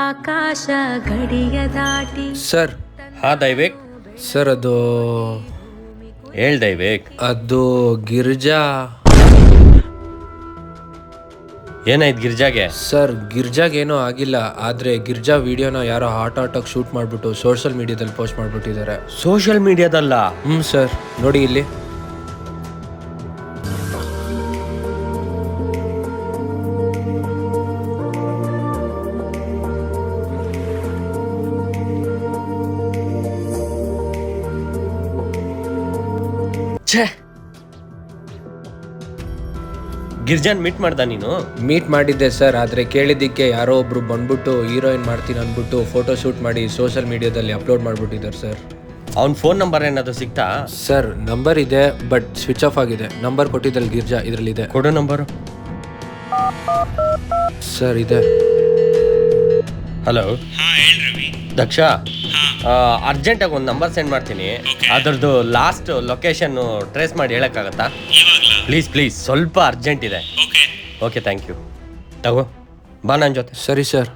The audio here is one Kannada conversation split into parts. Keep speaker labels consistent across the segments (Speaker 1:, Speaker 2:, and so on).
Speaker 1: ಆಕಾಶ ಗಡಿಯ ದಾಟಿ.
Speaker 2: ಸರ್
Speaker 3: ಹಾ ದೈವೇಕ್,
Speaker 2: ಸರ್ ಅದು
Speaker 3: ಹೇಳ್ ದೈವೇಕ್.
Speaker 2: ಅದು ಗಿರ್ಜಾ.
Speaker 3: ಏನಾಯ್ತು ಗಿರ್ಜಾಗೆ?
Speaker 2: ಸರ್ ಗಿರ್ಜಾಗೇನೂ ಆಗಿಲ್ಲ, ಆದರೆ ಗಿರ್ಜಾ ವಿಡಿಯೋನ ಯಾರೋ ಹಾಟಾಗಿ ಶೂಟ್ ಮಾಡಿಬಿಟ್ಟು ಸೋಷಿಯಲ್ ಮೀಡಿಯಾದಲ್ಲಿ ಪೋಸ್ಟ್ ಮಾಡಿಬಿಟ್ಟಿದ್ದಾರೆ.
Speaker 3: ಸೋಷಿಯಲ್ ಮೀಡಿಯಾದಲ್ಲ?
Speaker 2: ಸರ್ ನೋಡಿ ಇಲ್ಲಿ.
Speaker 3: ಛೇ, ಗಿರ್ಜಾನ್ ಮೀಟ್ ಮಾಡ್ದ ನೀನು?
Speaker 2: ಮೀಟ್ ಮಾಡಿದ್ದೆ ಸರ್, ಆದರೆ ಕೇಳಿದ್ದಕ್ಕೆ ಯಾರೋ ಒಬ್ರು ಬಂದ್ಬಿಟ್ಟು ಹೀರೋಯಿನ್ ಮಾಡ್ತೀನಿ ಅಂದ್ಬಿಟ್ಟು ಫೋಟೋ ಶೂಟ್ ಮಾಡಿ ಸೋಷಿಯಲ್ ಮೀಡಿಯಾದಲ್ಲಿ ಅಪ್ಲೋಡ್ ಮಾಡಿಬಿಟ್ಟಿದ್ದಾರೆ ಸರ್.
Speaker 3: ಅವ್ನ ಫೋನ್ ನಂಬರ್ ಏನಾದ್ರು ಸಿಕ್ತಾ?
Speaker 2: ಸರ್ ನಂಬರ್ ಇದೆ, ಬಟ್ ಸ್ವಿಚ್ ಆಫ್ ಆಗಿದೆ. ನಂಬರ್ ಕೊಟ್ಟಿದ್ದಲ್ಲಿ ಗಿರ್ಜಾ ಇದರಲ್ಲಿದೆ.
Speaker 3: ಕೊಡು ನಂಬರು.
Speaker 2: ಸರ್ ಇದೆ.
Speaker 3: ಹಲೋ ದಕ್ಷ, ಅರ್ಜೆಂಟಾಗಿ ಒಂದು ನಂಬರ್ ಸೆಂಡ್ ಮಾಡ್ತೀನಿ. ಅದರದ್ದು ಲಾಸ್ಟ್ ಲೊಕೇಶನ್ ಟ್ರೇಸ್ ಮಾಡಿ ಹೇಳೋಕ್ಕಾಗತ್ತಾ? ಪ್ಲೀಸ್ ಪ್ಲೀಸ್, ಸ್ವಲ್ಪ ಅರ್ಜೆಂಟ್ ಇದೆ. Okay thank you. ತಗೋ ಬಾ ನನ್ನ ಜೊತೆ.
Speaker 2: ಸರಿ ಸರ್.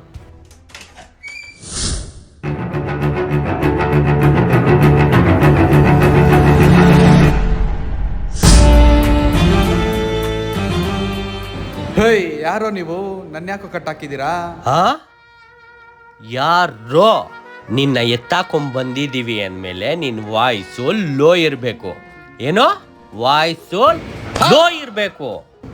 Speaker 4: ಹೇಯ್, ಯಾರೋ ನೀವು? ನನ್ನ ಯಾಕೋ ಕಟ್ ಹಾಕಿದ್ದೀರಾ?
Speaker 3: ಹಾ, ಯಾರೋ ನಿನ್ನ ಎತ್ತಾಕೊಂಡ್ಬಂದಿದ್ದೀವಿ ಅಂದಮೇಲೆ ನಿನ್ನ ವಾಯ್ಸು ಲೋ ಇರಬೇಕು. ಏನೋ ವಾಯ್ಸು ಲೋ ಇರಬೇಕು.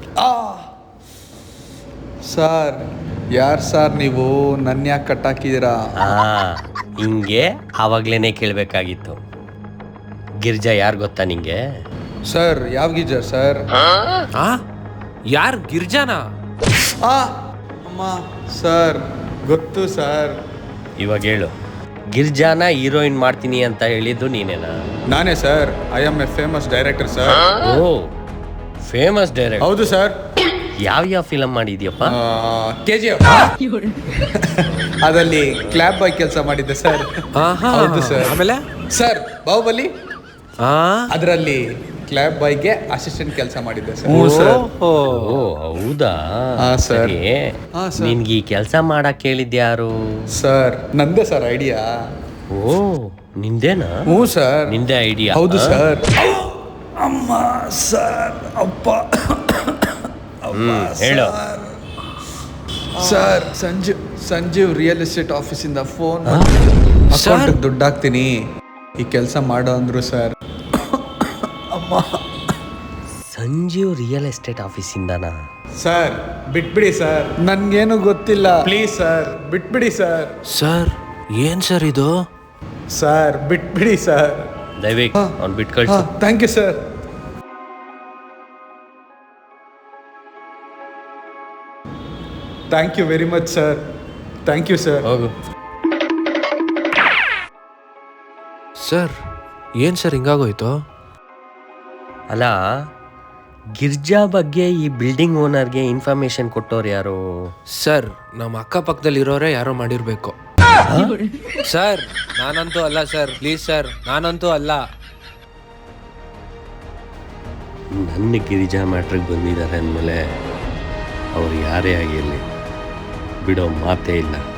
Speaker 4: ಸರ್, ಯಾರು ಸರ್ ನೀವು? ನನ್ನ ಯಾಕೆ ಕಟ್ ಹಾಕಿದ್ದೀರಾ?
Speaker 3: ಹಿಂಗೆ ಆವಾಗ್ಲೇನೆ ಕೇಳಬೇಕಾಗಿತ್ತು. ಗಿರ್ಜಾ ಯಾರು ಗೊತ್ತಾ ನಿಂಗೆ?
Speaker 4: ಸರ್, ಯಾವ ಗೀಜರ್ ಸರ್?
Speaker 2: ಯಾರು ಗಿರ್ಜಾನಾ?
Speaker 4: ಅಮ್ಮ ಸರ್, ಗೊತ್ತು ಸರ್.
Speaker 3: ಇವಾಗ ಹೇಳು, ಗಿರ್ಜಾನ ಹೀರೋಯಿನ್ ಮಾಡ್ತೀನಿ ಅಂತ ಹೇಳಿದ್ದು ನೀನೇನಾ?
Speaker 4: ನಾನೇ sir. I am a famous director sir.
Speaker 3: Oh, famous director.
Speaker 4: ಹೌದು ಸರ್.
Speaker 3: ಯಾವ ಫಿಲಮ್ ಮಾಡಿದ್ಯಪ್ಪ?
Speaker 4: KGF ಅದಲ್ಲಿ ಕ್ಲಾಪ್ ಬಾಯ್ ಕೆಲಸ ಮಾಡಿದ್ದೆ ಸರ್. ಹೌದು ಸರ್.
Speaker 2: ಆಮೇಲೆ
Speaker 4: ಸರ್, ಬಾಹುಬಲಿ ಅದರಲ್ಲಿ ಕ್ಲಾಪ್ ಬಾಯ್ಗೆ ಅಸಿಸ್ಟೆಂಟ್ ಕೆಲಸ ಮಾಡಿದ್ದೆ ಸರ್.
Speaker 3: ಓ ಹೌದಾ?
Speaker 4: ಸರ್.
Speaker 3: ನಿನ್ಗೆ ಈ ಕೆಲಸ ಮಾಡಕ್ ಹೇಳಿದ್ಯಾರು?
Speaker 4: ಸರ್, ನಂದೇ ಸರ್ ಐಡಿಯಾ.
Speaker 3: ಓ, ನಿಂದೇನಾ?
Speaker 4: ಹ್ಞೂ ಸರ್,
Speaker 3: ನಿಂದೆ ಐಡಿಯಾ?
Speaker 4: ಹೌದು ಸರ್. ಅಮ್ಮ ಸರ್, ಅಪ್ಪ.
Speaker 3: ಹೇಳು
Speaker 4: ಸರ್, ಸಂಜೀವ್ ರಿಯಲ್ ಎಸ್ಟೇಟ್ ಆಫೀಸಿಂದ ಫೋನ್ ಅಕೌಂಟ್ ದುಡ್ಡು ಹಾಕ್ತೀನಿ, ಈ ಕೆಲಸ ಮಾಡೋ ಅಂದ್ರು ಸರ್.
Speaker 3: ಸಂಜೀವ್ ರಿಯಲ್ ಎಸ್ಟೇಟ್ ಆಫೀಸಿಂದನಾ?
Speaker 4: ಸರ್, ಬಿಟ್ಬಿಡಿ ಸರ್, ನನ್ಗೇನು ಗೊತ್ತಿಲ್ಲ. ಪ್ಲೀಸ್ ಸರ್, ಬಿಟ್ಬಿಡಿ ಸರ್.
Speaker 2: ಸರ್ ಏನ್ ಸರ್ ಇದು?
Speaker 4: ಸರ್, ಬಿಟ್ಬಿಡಿ ಸರ್.
Speaker 3: ದಯವಿಟ್ಟು ಅವ್ನು ಬಿಟ್ಟು ಕಳಿಸು.
Speaker 4: Thank you sir. Thank you very much sir. Thank you sir.
Speaker 3: ಹೋಗು.
Speaker 2: ಸರ್ ಏನ್ ಸರ್ ಹಿಂಗಾಗೋಯ್ತು?
Speaker 3: ಅಲ್ಲ, ಗಿರ್ಜಾ ಬಗ್ಗೆ ಈ ಬಿಲ್ಡಿಂಗ್ ಓನರ್ಗೆ ಇನ್ಫಾರ್ಮೇಶನ್ ಕೊಟ್ಟವ್ರು ಯಾರು?
Speaker 2: ಸರ್, ನಮ್ಮ ಅಕ್ಕಪಕ್ಕದಲ್ಲಿ ಇರೋರೇ ಯಾರೋ ಮಾಡಿರ್ಬೇಕು. ಸರ್ ನಾನಂತೂ ಅಲ್ಲ ಸರ್, ಪ್ಲೀಸ್ ಸರ್, ನಾನಂತೂ ಅಲ್ಲ.
Speaker 3: ನನ್ನ ಗಿರಿಜಾ ಮ್ಯಾಟ್ರಿಗೆ ಬಂದಿದ್ದಾರೆ ಅಂದಮೇಲೆ ಅವ್ರು ಯಾರೇ ಆಗಿರಲಿ ಬಿಡೋ ಮಾತೇ ಇಲ್ಲ.